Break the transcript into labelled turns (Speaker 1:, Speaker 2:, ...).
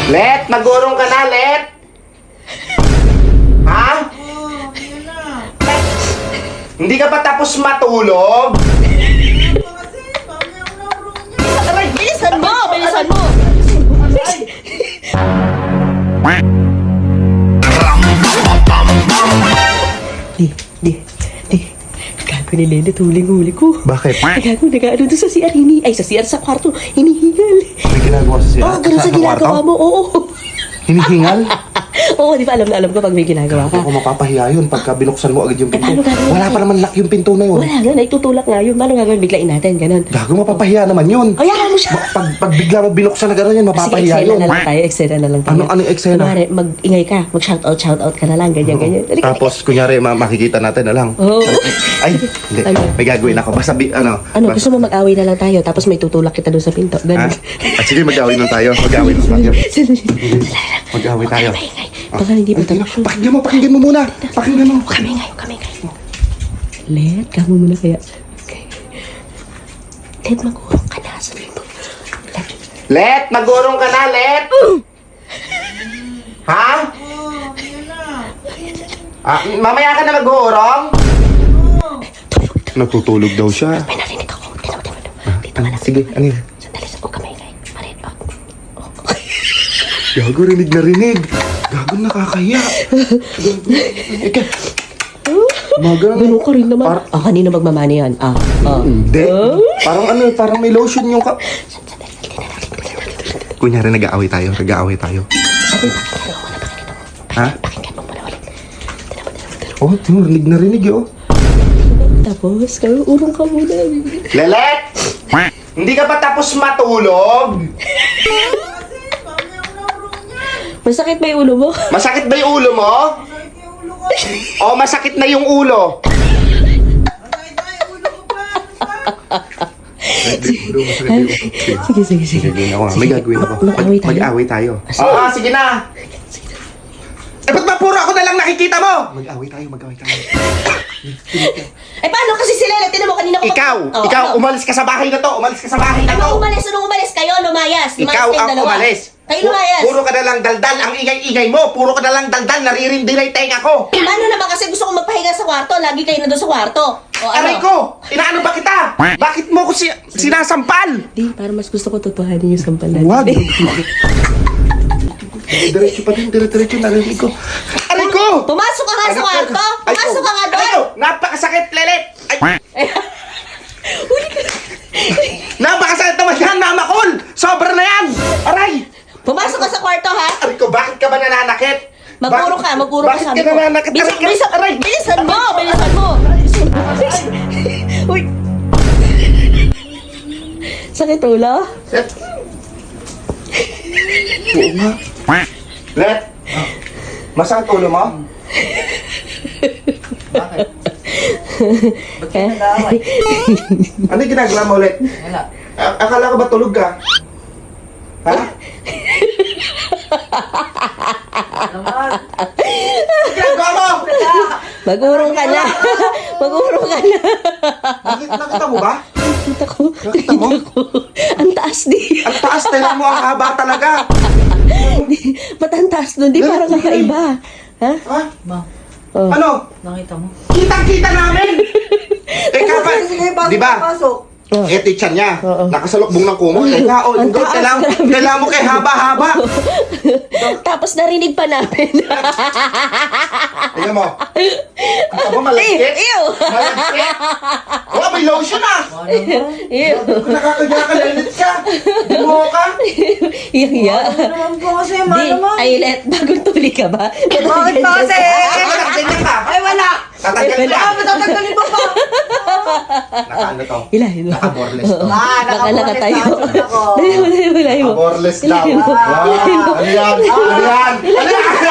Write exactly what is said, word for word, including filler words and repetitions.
Speaker 1: Let, magurong ka na, Let. Ha?
Speaker 2: Oo, yun na.
Speaker 1: Hindi ka pa tapos matulog?
Speaker 2: Ano ba kasi? Mamaya ako naurong niya.
Speaker 3: Aray, bilisan mo! Bilisan mo! Di, di, di. Gago ni Lele, tuling-huli ko.
Speaker 1: Bakit?
Speaker 3: Gago, nag-ano doon sa C R, hini... Ay, sa C R sa kwarto, hinihingal.
Speaker 1: May ginagawa sa siya?
Speaker 3: Oo, oh, ganun sa ginagawa mo, oo.
Speaker 1: Hinihingal?
Speaker 3: Oo, di ba alam na alam ko pag may ginagawa ka.
Speaker 1: Ako mapapahiya yun pagka binuksan mo agad yung pinto.
Speaker 3: Eh, paano gagawin?
Speaker 1: Wala pa naman lock yung pinto na yun.
Speaker 3: Wala nga, naitutulak nga yun. Paano gagawin? Biglain natin, ganun.
Speaker 1: Gago, mapapahiya naman yun.
Speaker 3: O, yakan mo siya.
Speaker 1: Ba- pag, pag bigla mo binuksan na gano'n yan,
Speaker 3: Sige,
Speaker 1: mapapahiya
Speaker 3: eksena
Speaker 1: yun.
Speaker 3: na lang tayo, eksena na lang tayo.
Speaker 1: Ano- ano yung eksena?
Speaker 3: Kunwari, mag-ingay ka, mag-shoutout, shoutout ka na lang, ganyan, ganyan. Halika,
Speaker 1: Tapos, kunyari, ma- makikita natin na lang.
Speaker 3: Oo.
Speaker 1: Ay, hindi.
Speaker 3: Ano?
Speaker 1: May gagawin ako. Basta, bi- ano.
Speaker 3: Ano,
Speaker 1: basta-
Speaker 3: gusto mo mag-away na lang tayo, tapos may tutulak kita doon sa pinto.
Speaker 1: Ha?
Speaker 3: Ganun.
Speaker 1: Ah, sige, mag-away lang tayo. Mag-away lang tayo. Mag-away tayo.
Speaker 3: Maingay. Baka hindi pa
Speaker 1: Hindi na.
Speaker 3: tapos.
Speaker 1: Pakinggan mo, pakinggan mo muna. Pakinggan mo.
Speaker 3: Kami ngayon, kami ngayon. Let, kamo muna kaya. Okay. Let, mag-urong ka na. Sabihin mo. Let.
Speaker 1: Let, magurong ka na, Let. Ha?
Speaker 2: Oo, yun na.
Speaker 1: Ah, mamaya ka na mag-uurong?
Speaker 2: Oo.
Speaker 1: Natutulog daw siya.
Speaker 3: May narinig ako. Tinaw, tinaw, tinaw. Dito ka lang.
Speaker 1: Sige, ano yun?
Speaker 3: Sandali, sa kami ngayon. Marin, oh.
Speaker 1: Gago, rinig na rinig. Gago, nakakahiya. Gago. Ika. Maga.
Speaker 3: Ganun ka rin naman.
Speaker 1: Par-
Speaker 3: ah, kanina magmamani yan. Ah, ah.
Speaker 1: Hindi. Parang ano, parang may lotion yung ka...
Speaker 3: Sandali, hindi na natin.
Speaker 1: Kunyari, nag-aaway tayo. Nag-aaway tayo.
Speaker 3: Sabi, pakinggan mo muna, pakinggan mo.
Speaker 1: Ha?
Speaker 3: Pakinggan mo muna ulit. Tinaw, tinaw, tinaw.
Speaker 1: Oh, tino, rinig na rinig eh, oh.
Speaker 3: Tapos, kayo, urong ka muna.
Speaker 1: Lelet! Hindi ka pa tapos matulog?
Speaker 2: Kasi, mamaya ako naurong niya.
Speaker 3: Masakit ba yung ulo mo?
Speaker 1: Masakit ba yung ulo mo?
Speaker 2: Masakit yung ulo ko.
Speaker 1: O masakit na yung ulo?
Speaker 2: Masakit na yung ulo ko pa. Ano ba?
Speaker 3: Sige, sige, sige.
Speaker 1: Sige, ako nga. May gagawin ako.
Speaker 3: Mag-away tayo.
Speaker 1: Mag-away tayo.
Speaker 3: Sige.
Speaker 1: Ah, sige na! Eh, ba't ba puro ako na lang nakikita mo? Mag-away tayo, mag-away tayo.
Speaker 3: Eh, paano kasi si Lele? Tinan mo kanina ko.
Speaker 1: Ikaw!
Speaker 3: Oh,
Speaker 1: ikaw,
Speaker 3: ano?
Speaker 1: umalis ka sa bahay na to! Umalis ka sa bahay na to!
Speaker 3: Ano umalis? Anong umalis? Kayo, lumayas. Lumayas
Speaker 1: Ikaw
Speaker 3: kayong
Speaker 1: ang
Speaker 3: dalawa.
Speaker 1: umalis!
Speaker 3: Kayo
Speaker 1: Pu-
Speaker 3: lumayas.
Speaker 1: Puro ka na lang daldal. Ang ingay-ingay mo. Puro ka na lang daldal. Naririndi na yung tenga ko.
Speaker 3: Paano naman kasi gusto kong magpahinga sa kwarto? Lagi kayo na doon sa kwarto. O ano?
Speaker 1: Aray ko! Inaano ba kita? Bakit mo ko si sinasampal?
Speaker 3: Di, para mas gusto ko totohanin yung sampal natin.
Speaker 1: Wag! Diretso pa din, diretso narinig ko. Aray ko!
Speaker 3: Pumasok ka nga sa kwarto!
Speaker 1: Ay,
Speaker 3: Pumasok ka nga
Speaker 1: Aray
Speaker 3: doon!
Speaker 1: ko! Napakasakit, Lelet! Ay! Napakasakit naman yan, Mamakol! Sobra na yan! Aray!
Speaker 3: Pumasok ka sa kwarto, ha?
Speaker 1: Aray ko, bakit ka ba nananakit?
Speaker 3: Maguro ka, maguro ka
Speaker 1: Bakit
Speaker 3: sabi
Speaker 1: ka
Speaker 3: ko.
Speaker 1: nananakit?
Speaker 3: Bilisan,
Speaker 1: Aray ka!
Speaker 3: bilisan,
Speaker 1: Aray!
Speaker 3: bilisan mo! Bilisan mo! Uy! Sakit ulo?
Speaker 1: Let. Oo nga. Let. Masakit ulo mo?
Speaker 2: Bakit? Ba't
Speaker 3: Eh?
Speaker 2: ka nag-aaway?
Speaker 1: Ano yung ginagawa mo ulit?
Speaker 2: Wala.
Speaker 1: A- akala ko ba tulog ka? Ha?
Speaker 2: Naman.
Speaker 1: Ano ginagawa mo?
Speaker 3: Mag-urong ka na! Mag-urong ka na!
Speaker 1: Nakita, nakita mo ba?
Speaker 3: Nakita ko.
Speaker 1: Nakita mo?
Speaker 3: Ang taas di.
Speaker 1: Ang taas na mo, ang haba talaga.
Speaker 3: Ba't ang taas nun? Di parang kakaiba. Ha?
Speaker 1: Ha?
Speaker 2: Ma,
Speaker 3: Oh.
Speaker 1: Ano?
Speaker 2: nakita mo?
Speaker 1: Kitang-kita namin! Eh, kapag,
Speaker 2: Sige, pasok,
Speaker 1: di ba?
Speaker 2: pasok.
Speaker 3: Oh.
Speaker 1: Eh, teacher niya,
Speaker 3: Oo.
Speaker 1: nakasalukbong ng kumot. Teka, oh,
Speaker 3: Ang
Speaker 1: yung
Speaker 3: taas,
Speaker 1: kailangan,
Speaker 3: grabe.
Speaker 1: kailangan mo kay haba-haba.
Speaker 3: Tapos narinig pa namin.
Speaker 1: Alam mo, kita mo malagkit?
Speaker 3: Ew!
Speaker 1: Malagkit? Oh, may lotion ah!
Speaker 2: Ano naman?
Speaker 3: Ew!
Speaker 1: Kung nakakagaya ka, lalit ka. Bumo ka.
Speaker 3: Iya.
Speaker 2: Ano naman po kasi, ma
Speaker 3: Di,
Speaker 2: naman.
Speaker 3: ay let, bagong tuli ka ba?
Speaker 2: Bakit ba kasi?
Speaker 1: Ako, nakaganyan ka.
Speaker 2: Ay, wala.
Speaker 1: Tatanggal ka.
Speaker 2: Ah, matatanggalin mo pa.
Speaker 1: Nakaano to?
Speaker 3: Ilahin mo.
Speaker 1: Naka-boreless to.
Speaker 2: Ah,
Speaker 3: Nakalaka tayo.
Speaker 2: nakaboreless ako.
Speaker 3: Dali mo, dali mo, dali mo.
Speaker 1: Naka-boreless daw.
Speaker 3: Ilahin mo.
Speaker 1: Wow, ano yan? Ano yan? Ano yan?